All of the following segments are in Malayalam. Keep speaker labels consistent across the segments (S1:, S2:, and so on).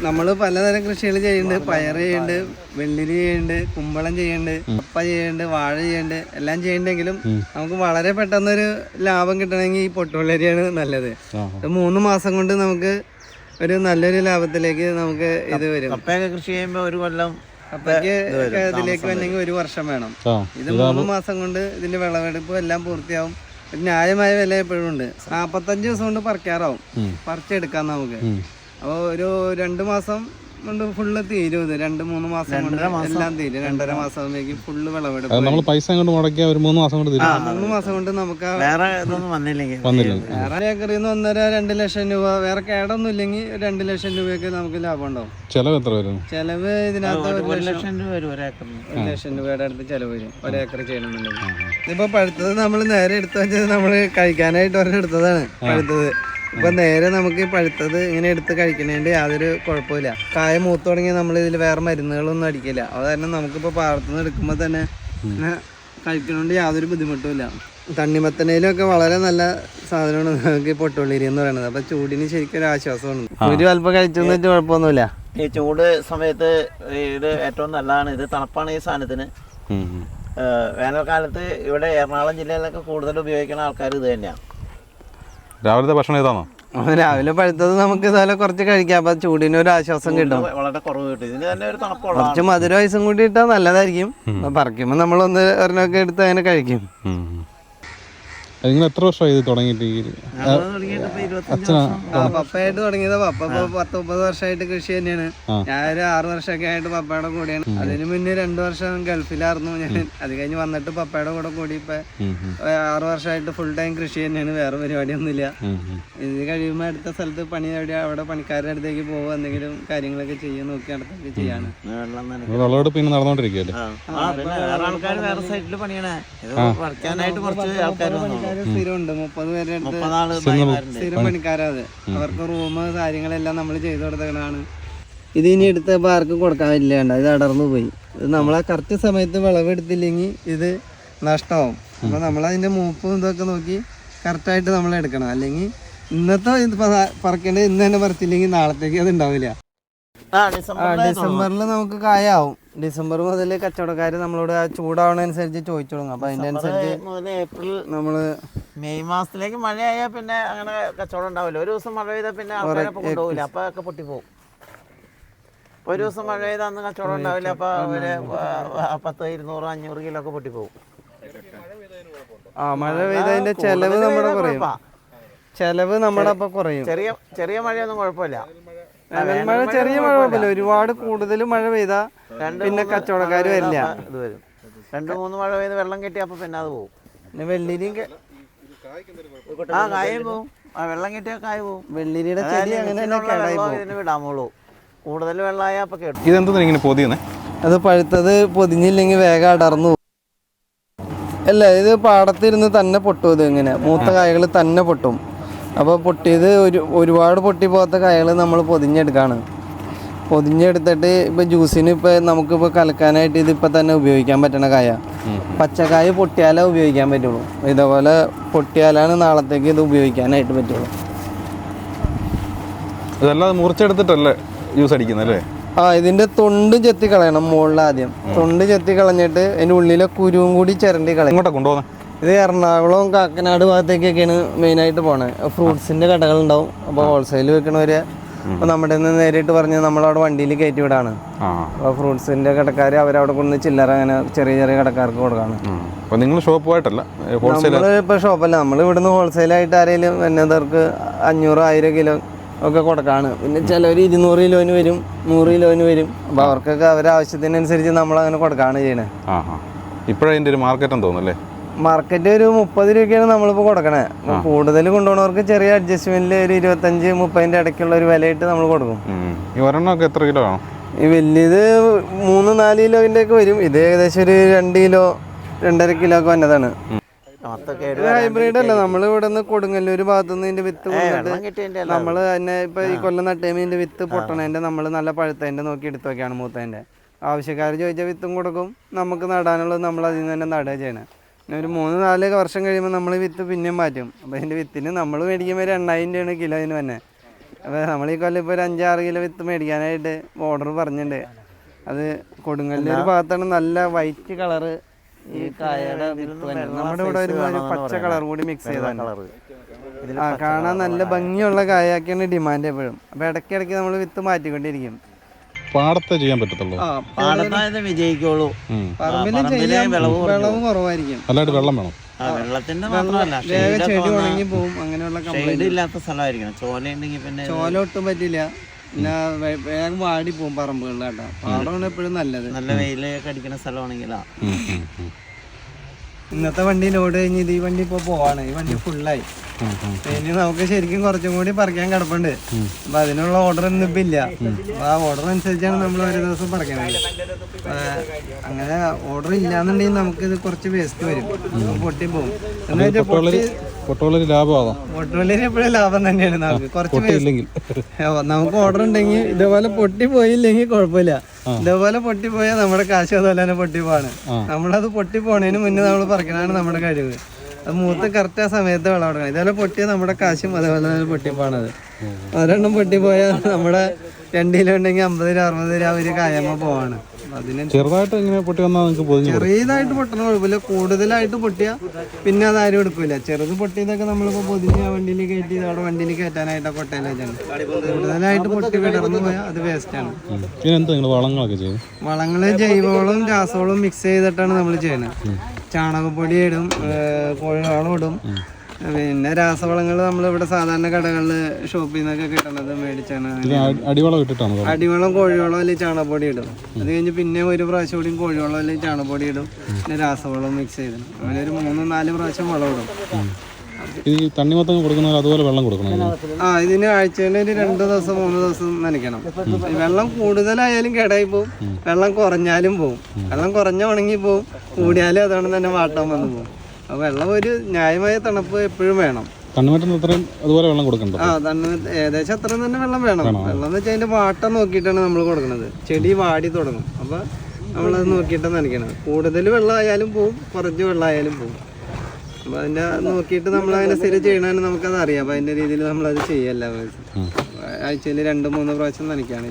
S1: നമ്മൾ പലതരം കൃഷികൾ ചെയ്യുന്നുണ്ട്. പയർ ചെയ്യുന്നുണ്ട്, വെള്ളിരി ചെയ്യുന്നുണ്ട്, കുമ്പളം ചെയ്യുന്നുണ്ട്, കപ്പ ചെയ്യുന്നുണ്ട്, വാഴ ചെയ്യുന്നുണ്ട്, എല്ലാം ചെയ്യുന്നുണ്ടെങ്കിലും നമുക്ക് വളരെ പെട്ടെന്നൊരു ലാഭം കിട്ടണമെങ്കിൽ ഈ പൊട്ടുവെള്ളരിയാണ് നല്ലത്. 3 മാസം കൊണ്ട് നമുക്ക് ഒരു നല്ലൊരു ലാഭത്തിലേക്ക് നമുക്ക് ഇത് വരും.
S2: കപ്പയൊക്കെ കൃഷി ചെയ്യുമ്പോൾ ഒരു കൊല്ലം
S1: കപ്പയ്ക്ക് ഇതിലേക്ക് വന്നെങ്കിൽ 1 വർഷം വേണം. ഇത് 3 മാസം കൊണ്ട് ഇതിന്റെ വിളവെടുപ്പ് എല്ലാം പൂർത്തിയാവും. ന്യായമായ വില എപ്പോഴും ഉണ്ട്. 45 ദിവസം കൊണ്ട് പറിക്കാറാവും, പറിച്ചെടുക്കാം നമുക്ക്. അപ്പോൾ ഒരു 2 മാസം കൊണ്ട് ഫുള്ള് തീരും. ഇത് 2-3 മാസം കൊണ്ട് എല്ലാം തീരും. 2.5 മാസത്തേക്ക് ഫുള്ള് വിളവെടുപ്പ്.
S3: നമ്മൾ പൈസ കൊണ്ട് മുടക്കിയ ഒരു 3 മാസം കൊണ്ട് തീരും.
S1: 3 മാസം കൊണ്ട് നമുക്ക്
S2: വേറെ ഇതൊന്നും വന്നില്ലെങ്കിൽ
S1: വേറെ ഏക്കറിൽ നിന്ന് 1.5-2 ലക്ഷം രൂപ, വേറെ കേടൊന്നും ഇല്ലെങ്കിൽ 2 ലക്ഷം രൂപയൊക്കെ നമുക്ക് ലാഭം ഉണ്ടാവും.
S3: ചെലവ് എത്ര വരും?
S1: ചെലവ് ഇതിനകത്ത്
S2: 1 ലക്ഷം രൂപ വരും ഒരേക്കറിന്.
S1: 1 ലക്ഷം രൂപയുടെ അടുത്ത് ചെലവ് വരും ഒരേക്കർ ചെയ്യണമെന്നുണ്ടെങ്കിൽ. ഇതിപ്പോ പഴുത്തത് നമ്മൾ നേരെ എടുത്തു വെച്ചത് നമ്മൾ കഴിക്കാനായിട്ട് ഒരെണ്ണം എടുത്തതാണ് പഴുത്തത്. ഇപ്പൊ നേരെ നമുക്ക് പഴുത്തത് ഇങ്ങനെ എടുത്ത് കഴിക്കണേണ്ട യാതൊരു കുഴപ്പമില്ല. കായ മൂത്ത് തുടങ്ങിയാൽ നമ്മൾ ഇതിൽ വേറെ മരുന്നുകളൊന്നും അടിക്കില്ല. അത് കാരണം നമുക്കിപ്പോ പാടത്തുനിന്ന് എടുക്കുമ്പോൾ തന്നെ കഴിക്കണോണ്ട് യാതൊരു ബുദ്ധിമുട്ടുമില്ല. തണ്ണിമത്തനയിലൊക്കെ വളരെ നല്ല സാധനമാണ് നമുക്ക് പൊട്ടുവെള്ളരി എന്ന് പറയുന്നത്. അപ്പൊ ചൂടിന് ശരിക്കും ഒരു ആശ്വാസമാണ്. ഒരു അല്പം കഴിച്ചെന്ന് വെച്ചാൽ കുഴപ്പമൊന്നുമില്ല.
S2: ഈ ചൂട് സമയത്ത് ഇത് ഏറ്റവും നല്ലതാണ്. ഇത് തണുപ്പാണ് ഈ സാധനത്തിന്. വേനൽക്കാലത്ത് ഇവിടെ എറണാകുളം ജില്ലയിലൊക്കെ കൂടുതൽ ഉപയോഗിക്കുന്ന ആൾക്കാർ ഇത് തന്നെയാണ്.
S3: രാവിലത്തെ ഭക്ഷണം ഇതാണോ?
S1: രാവിലെ പഴുത്തത് നമുക്ക് ഇതുപോലെ കുറച്ച് കഴിക്കാം. അപ്പൊ ചൂടിന് ഒരു ആശ്വാസം കിട്ടും.
S2: വളരെ കുറവ് കിട്ടും. ഇതിന് തന്നെ ഒരു തണുപ്പുള്ള
S1: കുറച്ച് മധുര വയസ്സും കൂടി ഇട്ടാൽ നല്ലതായിരിക്കും. പറിക്കുമ്പോൾ നമ്മൾ ഒരെണ്ണമൊക്കെ എടുത്ത് അങ്ങനെ കഴിക്കും.
S3: നിങ്ങൾ എത്ര വർഷമായി ഇത് തുടങ്ങിയിട്ട്?
S1: പപ്പയായിട്ട് തുടങ്ങിയത്. പപ്പ 10-30 വർഷമായിട്ട് കൃഷി തന്നെയാണ്. ഞാനൊരു 6 വർഷമൊക്കെ ആയിട്ട് പപ്പയുടെ കൂടെയാണ്. അതിന് മുന്നേ 2 വർഷം ഗൾഫിലായിരുന്നു ഞാൻ. അത് കഴിഞ്ഞ് വന്നിട്ട് പപ്പയുടെ കൂടെ കൂടി ഇപ്പൊ 6 വർഷമായിട്ട് ഫുൾ ടൈം കൃഷി തന്നെയാണ്. വേറെ പരിപാടിയൊന്നുമില്ല. ഇത് കഴിയുമ്പോൾ അടുത്ത സ്ഥലത്ത് പണി അവിടെ പണിക്കാരുടെ അടുത്തേക്ക് പോകുക, എന്തെങ്കിലും കാര്യങ്ങളൊക്കെ ചെയ്യാൻ നോക്കി അടുത്തേക്ക് ചെയ്യാണ്.
S3: പിന്നെ നടന്നുകൊണ്ടിരിക്കുകയല്ലേ?
S2: ആൾക്കാർ വേറെ സൈഡിൽ പണിയാണ്. പറിക്കാനായിട്ട് കുറച്ച് ആൾക്കാർ
S1: സ്ഥിരമുണ്ട്. 30 പേരുടെ അടുത്ത് സ്ഥിരം പണിക്കാരാത്. അവർക്ക് റൂം കാര്യങ്ങളെല്ലാം നമ്മൾ ചെയ്തു കൊടുത്തതാണ്. ഇത് ഇനി എടുത്തപ്പോൾ ആർക്കും കൊടുക്കാൻ പറ്റില്ല. ഇത് അടർന്നു പോയി. ഇത് നമ്മളാ കറക്റ്റ് സമയത്ത് വിളവെടുത്തില്ലെങ്കിൽ ഇത് നഷ്ടമാവും. അപ്പോൾ നമ്മളതിൻ്റെ മൂപ്പും ഇതൊക്കെ നോക്കി കറക്റ്റായിട്ട് നമ്മൾ എടുക്കണം. അല്ലെങ്കിൽ ഇന്നത്തെ ഇത് പറിക്കേണ്ടത് ഇന്ന് തന്നെ പറിച്ചില്ലെങ്കിൽ നാളത്തേക്ക് അത് ഉണ്ടാവില്ല. ഡിസംബറിൽ നമുക്ക് കായാവും. ഡിസംബർ മുതൽ കച്ചവടക്കാർ നമ്മളോട് ചൂടാവണനുസരിച്ച് ചോദിച്ചു തുടങ്ങും. അപ്പൊ അതിന്റെ അനുസരിച്ച്
S2: ഏപ്രിൽ
S1: നമ്മള്
S2: മെയ് മാസത്തിലേക്ക് മഴയായാൽ പിന്നെ അങ്ങനെ കച്ചവടം ഉണ്ടാവില്ല. ഒരു ദിവസം മഴ പെയ്താൽ പിന്നെ ആൾക്കാരെ കൊണ്ടുപോകില്ല. അപ്പൊ ഒക്കെ പൊട്ടിപ്പോവും. ഒരു ദിവസം മഴ പെയ്താൽ അന്ന് കച്ചവടം ഉണ്ടാവില്ല. അപ്പൊ അവര് 10, 200, 500 കിലോ ഒക്കെ പൊട്ടിപ്പോവും.
S1: മഴ പെയ്തതിന്റെ ചെലവ് നമ്മുടെ കുറയും. ചെലവ് നമ്മുടെ അപ്പൊ കുറയും.
S2: ചെറിയ മഴയൊന്നും കുഴപ്പമില്ല.
S1: മഴ ചെറിയ മഴ കുഴപ്പമില്ല. ഒരുപാട് കൂടുതൽ മഴ പെയ്താ പിന്നെ കച്ചവടക്കാർ വരില്ല.
S2: ഇത് വരും. 2-3 മഴ പെയ്ത് വെള്ളം കെട്ടി അപ്പൊ പിന്നെ അത് പോകും.
S1: പിന്നെ വെള്ളിരിയും
S2: കായും പോവും. വെള്ളം കെട്ടിയ കായ പോവും.
S1: വെള്ളിരിയുടെ ചെടി അങ്ങനെ
S2: വിടാമുള്ളൂ. കൂടുതൽ വെള്ളമായ അപ്പൊ കേട്ടു.
S3: ഇതെന്താ ഇങ്ങനെ പൊതിയുന്നേ?
S1: അത് പഴുത്തത് പൊതിഞ്ഞില്ലെങ്കിൽ വേഗം അടർന്നു പോകും. അല്ല, ഇത് പാടത്തിരുന്ന് തന്നെ പൊട്ടും. ഇത് ഇങ്ങനെ മൂത്ത കായകൾ തന്നെ പൊട്ടും. അപ്പോൾ പൊട്ടിയത് ഒരുപാട് പൊട്ടിപ്പോകാത്ത കായകൾ നമ്മൾ പൊതിഞ്ഞെടുക്കുകയാണ്. പൊതിഞ്ഞെടുത്തിട്ട് ഇപ്പോൾ ജ്യൂസിന് ഇപ്പോൾ നമുക്കിപ്പോൾ കലക്കാനായിട്ട് ഇതിപ്പോൾ തന്നെ ഉപയോഗിക്കാൻ പറ്റണ കായ. പച്ചക്കായ പൊട്ടിയാലേ ഉപയോഗിക്കാൻ പറ്റുള്ളൂ. ഇതേപോലെ പൊട്ടിയാലാണ് നാളത്തേക്ക് ഇത് ഉപയോഗിക്കാനായിട്ട് പറ്റുള്ളൂ.
S3: ഇതല്ലാതെ മുറിച്ചെടുത്തിട്ടല്ലേ ജ്യൂസ് അടിക്കുന്നല്ലേ?
S1: ഇതിൻ്റെ തൊണ്ട് ചെത്തി കളയണം. മുകളിൽ ആദ്യം തൊണ്ട് ചെത്തി കളഞ്ഞിട്ട് അതിൻ്റെ ഉള്ളിലെ കുരുവും കൂടി ചിരണ്ടി കളയും.
S3: ഇങ്ങോട്ടാ കൊണ്ടുപോകുന്നത്?
S1: ഇത് എറണാകുളം കാക്കനാട് ഭാഗത്തേക്കൊക്കെയാണ് മെയിനായിട്ട് പോണത്. ഫ്രൂട്ട്സിൻ്റെ കടകളുണ്ടാവും. അപ്പോൾ ഹോൾസെയിൽ വെക്കണവര് അപ്പോൾ നമ്മുടെ നിന്ന് നേരിട്ട് പറഞ്ഞ് നമ്മളവിടെ വണ്ടിയിൽ കയറ്റി വിടാണ്. അപ്പോൾ ഫ്രൂട്ട്സിൻ്റെ കടക്കാർ അവരവിടെ കൊണ്ടുവന്ന് ചില്ലറ അങ്ങനെ ചെറിയ ചെറിയ കടക്കാർക്ക് കൊടുക്കാണ്.
S3: നിങ്ങൾ ഷോപ്പുമായിട്ടല്ല?
S1: നമ്മളിപ്പോൾ ഷോപ്പല്ല, നമ്മൾ ഇവിടുന്ന് ഹോൾസെയിലായിട്ട് ആരെങ്കിലും എന്നതർക്ക് 500-1000 കിലോ ഒക്കെ കൊടുക്കാണ്. പിന്നെ ചിലവർ 200 കിലോന് വരും, 100 കിലോന് വരും. അപ്പോൾ അവർക്കൊക്കെ അവരുടെ ആവശ്യത്തിനനുസരിച്ച് നമ്മളങ്ങനെ കൊടുക്കാണ് ചെയ്യണേ.
S3: ഇപ്പോഴതിൻ്റെ ഒരു മാർക്കറ്റ് തോന്നുന്നല്ലേ?
S1: മാർക്കറ്റ് ഒരു 30 രൂപയ്ക്കാണ് നമ്മളിപ്പോൾ കൊടുക്കണേ. കൂടുതൽ കൊണ്ടുപോകുന്നവർക്ക് ചെറിയ അഡ്ജസ്റ്റ്മെന്റിൽ ഒരു 25-30 ഇടയ്ക്കുള്ള ഒരു വിലയിട്ട് നമ്മൾ കൊടുക്കും.
S3: ഈ ഒരെണ്ണമൊക്കെ എത്ര കിലോ ആണോ?
S1: ഈ വലിയത് 3-4 കിലോന്റെ ഒക്കെ വരും. ഇത് ഏകദേശം ഒരു 2 കിലോ 2.5 കിലോ ഒക്കെ വന്നതാണ്. ഹൈബ്രിഡ് അല്ല, നമ്മൾ ഇവിടെ നിന്ന് കൊടുങ്ങല്ലൂർ ഭാഗത്തുനിന്ന് ഇതിന്റെ വിത്ത് കൊണ്ടിട്ട് നമ്മൾ തന്നെ ഇപ്പൊ ഈ കൊല്ലം നട്ടേമിന്റെ വിത്ത് പൊട്ടണതിന്റെ നമ്മൾ നല്ല പഴുത്തതിന്റെ നോക്കി എടുത്തു നോക്കിയാണ് മൂത്തതിന്റെ. ആവശ്യക്കാർ ചോദിച്ച വിത്തും കൊടുക്കും. നമുക്ക് നടാനുള്ളത് നമ്മൾ അതിൽ നിന്ന് തന്നെ നടുക ചെയ്യണേ. പിന്നെ ഒരു 3-4 വർഷം കഴിയുമ്പോൾ നമ്മൾ വിത്ത് പിന്നെയും മാറ്റും. അപ്പോൾ അതിൻ്റെ വിത്തിന് നമ്മൾ മേടിക്കുമ്പോൾ ഒരു 8,000 രൂപയാണ് കിലോന് തന്നെ. അപ്പോൾ നമ്മൾ ഈ കൊല്ലം ഇപ്പോൾ ഒരു 5-6 കിലോ വിത്ത് മേടിക്കാനായിട്ട് ഓർഡർ പറഞ്ഞിട്ടുണ്ട്. അത് കൊടുങ്ങല്ലൂർ ഭാഗത്താണ്. നല്ല വൈറ്റ് കളറ് ഈ കായയുടെ വിത്ത് തന്നെ. നമ്മുടെ ഇവിടെ ഒരു പച്ച കളർ കൂടി മിക്സ് ചെയ്താണ്. കാണാൻ നല്ല ഭംഗിയുള്ള കായാക്കിയാണ് ഡിമാൻഡ് എപ്പോഴും. അപ്പോൾ ഇടയ്ക്കിടയ്ക്ക് നമ്മൾ വിത്ത് മാറ്റിക്കൊണ്ടിരിക്കും.
S3: പാടത്തെ ചെയ്യാൻ പറ്റത്തുള്ളൂ,
S2: പാടത്തായത് വിജയിക്കുള്ളൂ.
S1: പറമ്പിലും ചെയ്യാൻ വിളവ് കുറവായിരിക്കും.
S3: നല്ലതായിട്ട് വെള്ളം വേണം.
S2: വെള്ളത്തിന്റെ മാത്രമല്ല,
S1: ചെടി ഉണങ്ങി പോകും. അങ്ങനെയുള്ള
S2: ഷെയ്ഡ് ഇല്ലാത്ത സ്ഥലമായിരിക്കണം. ചോല ഉണ്ടെങ്കിൽ പിന്നെ
S1: ചോല ഒട്ടും പറ്റില്ല. പിന്നെ വേഗം വാടി പോകും പറമ്പുകളിൽ കേട്ടോ. പാടമാണ് എപ്പോഴും നല്ലത്.
S2: നല്ല വെയിലൊക്കെ അടിക്കുന്ന സ്ഥലമാണെങ്കിലാ.
S1: ഇന്നത്തെ വണ്ടി ലോഡ് കഴിഞ്ഞ് ഈ വണ്ടി ഇപ്പോൾ പോവാണ്. ഈ വണ്ടി ഫുള്ളായി. ഇനി നമുക്ക് ശരിക്കും കുറച്ചും കൂടി പറിക്കാൻ കിടപ്പുണ്ട്. അപ്പൊ അതിനുള്ള ഓർഡർ ഒന്നും ഇപ്പം ഇല്ല. അപ്പൊ ആ ഓർഡർ അനുസരിച്ചാണ് നമ്മൾ ഒരു ദിവസം പറിക്കണത്. അങ്ങനെ ഓർഡർ ഇല്ലാന്നുണ്ടെങ്കിൽ നമുക്ക് ഇത് കുറച്ച് വേസ്റ്റ് വരും, പൊട്ടി പോകും. എന്ന് വെച്ചാൽ
S3: പൊട്ടുവളരി ലാഭമാകാം.
S1: പൊട്ടുവളരി എപ്പോഴും ലാഭം തന്നെയാണ്. നമുക്ക് കുറച്ച് നമുക്ക് ഓർഡർ ഉണ്ടെങ്കിൽ ഇതേപോലെ പൊട്ടി പോയില്ലെങ്കിൽ കുഴപ്പമില്ല. ഇതേപോലെ പൊട്ടിപ്പോയാൽ നമ്മുടെ കാശ് അതുപോലെ തന്നെ പൊട്ടിപ്പോവാണ്. നമ്മളത് പൊട്ടി പോണതിന് മുന്നേ നമ്മൾ പറിക്കണതാണ് നമ്മുടെ കഴിവ്. അത് മൂത്ത് കറക്റ്റ് ആ സമയത്ത് വെള്ളം കൊടുക്കണം. ഇതേപോലെ പൊട്ടിയാൽ നമ്മുടെ കാശും അതേപോലെ തന്നെ പൊട്ടിപ്പോണത്. ഒരെണ്ണം പൊട്ടിപ്പോയാൽ നമ്മുടെ 2 കിലോ ഉണ്ടെങ്കിൽ 50-60 രൂപ ഒരു കായമ്മ പോവാണ്.
S3: ചെറുതായിട്ട് ഇങ്ങനെ പൊട്ടി വന്നാൽ
S1: ചെറിയതായിട്ട് പൊട്ടണ കുഴപ്പമില്ല. കൂടുതലായിട്ട് പൊട്ടിയാൽ പിന്നെ അത് ആരും എടുക്കില്ല. ചെറുത് പൊട്ടിയതൊക്കെ നമ്മളിപ്പോൾ പൊതിഞ്ഞ് വണ്ടിയിൽ കയറ്റി അവിടെ വണ്ടിയിൽ കയറ്റാനായിട്ടാണ് കൊട്ടയിൽ വെച്ചാണ്. കൂടുതലായിട്ട് പൊട്ടി വിടർന്നു പോയാൽ അത് വേസ്റ്റാണ്. വളങ്ങള് ജൈവവളവും രാസവളവും മിക്സ് ചെയ്തിട്ടാണ് നമ്മൾ ചെയ്യുന്നത്. ചാണകപ്പൊടി ഇടും, കോഴിവളം ഇടും. പിന്നെ രാസവളങ്ങൾ നമ്മളിവിടെ സാധാരണ കടകളിൽ ഷോപ്പിൽ നിന്നൊക്കെ കിട്ടണത് മേടിച്ചാണ്. അടിവളം കോഴിവളം അല്ലെങ്കിൽ ചാണകപ്പൊടി ഇടും. അത് കഴിഞ്ഞ് പിന്നെ ഒരു പ്രാവശ്യം കൂടി കോഴിവളം അല്ലെങ്കിൽ ചാണകപ്പൊടി ഇടും. പിന്നെ രാസവളം മിക്സ് ചെയ്തിടും. അങ്ങനെ ഒരു 3-4 പ്രാവശ്യം വളം ഇടും.
S3: അതുപോലെ വെള്ളം കൊടുക്കണം.
S1: ഇതിന് ആഴ്ചയിൽ ഒരു 2 ദിവസം 3 ദിവസം നനയ്ക്കണം. വെള്ളം കൂടുതലായാലും കേടായി പോവും, വെള്ളം കുറഞ്ഞാലും പോവും. വെള്ളം കുറഞ്ഞ ഉണങ്ങി പോവും, കൂടിയാലും അതുകൊണ്ട് തന്നെ വാട്ടാൻ വന്നു പോകും. അപ്പോൾ വെള്ളം ഒരു ന്യായമായ തണുപ്പ് എപ്പോഴും വേണം.
S3: അതുപോലെ വെള്ളം കൊടുക്കണ്ട.
S1: ഏകദേശം അത്രയും തന്നെ വെള്ളം വേണം. വെള്ളം എന്ന് വെച്ചാൽ അതിന്റെ വാട്ടം നോക്കിയിട്ടാണ് നമ്മൾ കൊടുക്കുന്നത്. ചെടി വാടി തുടങ്ങും. അപ്പൊ നമ്മളത് നോക്കിയിട്ടാണ് നനയ്ക്കണത്. കൂടുതൽ വെള്ളമായാലും പോവും, കുറച്ച് വെള്ളമായാലും പോവും. അപ്പൊ അതിന്റെ നോക്കിയിട്ട് നമ്മൾ അതിനെ സ്ഥിരം ചെയ്യണമെന്ന് നമുക്കത് അറിയാം. അപ്പൊ അതിന്റെ രീതിയിൽ നമ്മളത് ചെയ്യല്ല. ആഴ്ചയിൽ 2-3 പ്രാവശ്യം നനയ്ക്കാണ്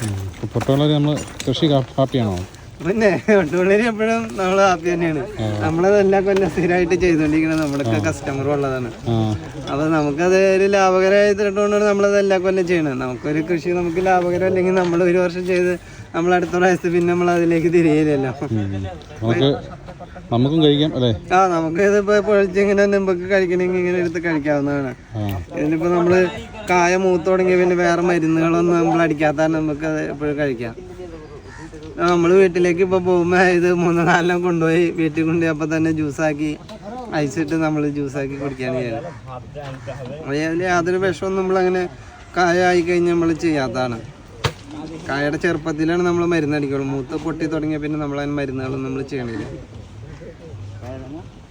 S1: ചെയ്യുന്നത്. പിന്നെ ഒട്ടുപള്ളി എപ്പോഴും നമ്മൾ ഹാപ്പി തന്നെയാണ്. നമ്മളതെല്ലാം കൊല്ലം സ്ഥിരമായിട്ട് ചെയ്തുകൊണ്ടിരിക്കുന്നത് നമ്മളൊക്കെ കസ്റ്റമർ ഉള്ളതാണ്. അപ്പൊ നമുക്കത് ഒരു ലാഭകരമായിട്ടാണ് നമ്മളത് എല്ലാ കൊല്ലം ചെയ്യണത്. നമുക്കൊരു കൃഷി നമുക്ക് ലാഭകരം അല്ലെങ്കിൽ നമ്മൾ ഒരു വർഷം ചെയ്ത് നമ്മൾ അടുത്ത പ്രാവശ്യത്ത് പിന്നെ നമ്മൾ അതിലേക്ക് തിരിയില്ലല്ലോ.
S3: നമുക്കും കഴിക്കാം അല്ലേ?
S1: നമുക്ക് ഇതിപ്പോ പൊളിച്ചിങ്ങനെ നമുക്ക് കഴിക്കണമെങ്കിൽ ഇങ്ങനെ എടുത്ത് കഴിക്കാവുന്നതാണ്. ഇതിനിപ്പോ നമ്മള് കായ മൂത്ത് തുടങ്ങിയ പിന്നെ വേറെ മരുന്നുകളൊന്നും നമ്മൾ അടിക്കാത്ത നമുക്ക് അത് എപ്പോഴും കഴിക്കാം. നമ്മൾ വീട്ടിലേക്ക് ഇപ്പോൾ പോകുമ്പോൾ ഇത് 3-4 കൊണ്ടുപോയി വീട്ടിൽ കൊണ്ടുപോയി അപ്പം തന്നെ ജ്യൂസാക്കി ഐസിട്ട് നമ്മൾ ജ്യൂസാക്കി കുടിക്കുകയാണ് ചെയ്യുന്നത്. അതിൽ യാതൊരു വിഷമൊന്നും നമ്മളങ്ങനെ കായ ആയിക്കഴിഞ്ഞാൽ നമ്മൾ ചെയ്യാത്തതാണ്. കായയുടെ ചെറുപ്പത്തിലാണ് നമ്മൾ മരുന്നടിക്കുള്ളൂ. മൂത്ത് പൊട്ടി തുടങ്ങിയ പിന്നെ നമ്മളതിന് മരുന്നുകളൊന്നും നമ്മൾ ചെയ്യണില്ല.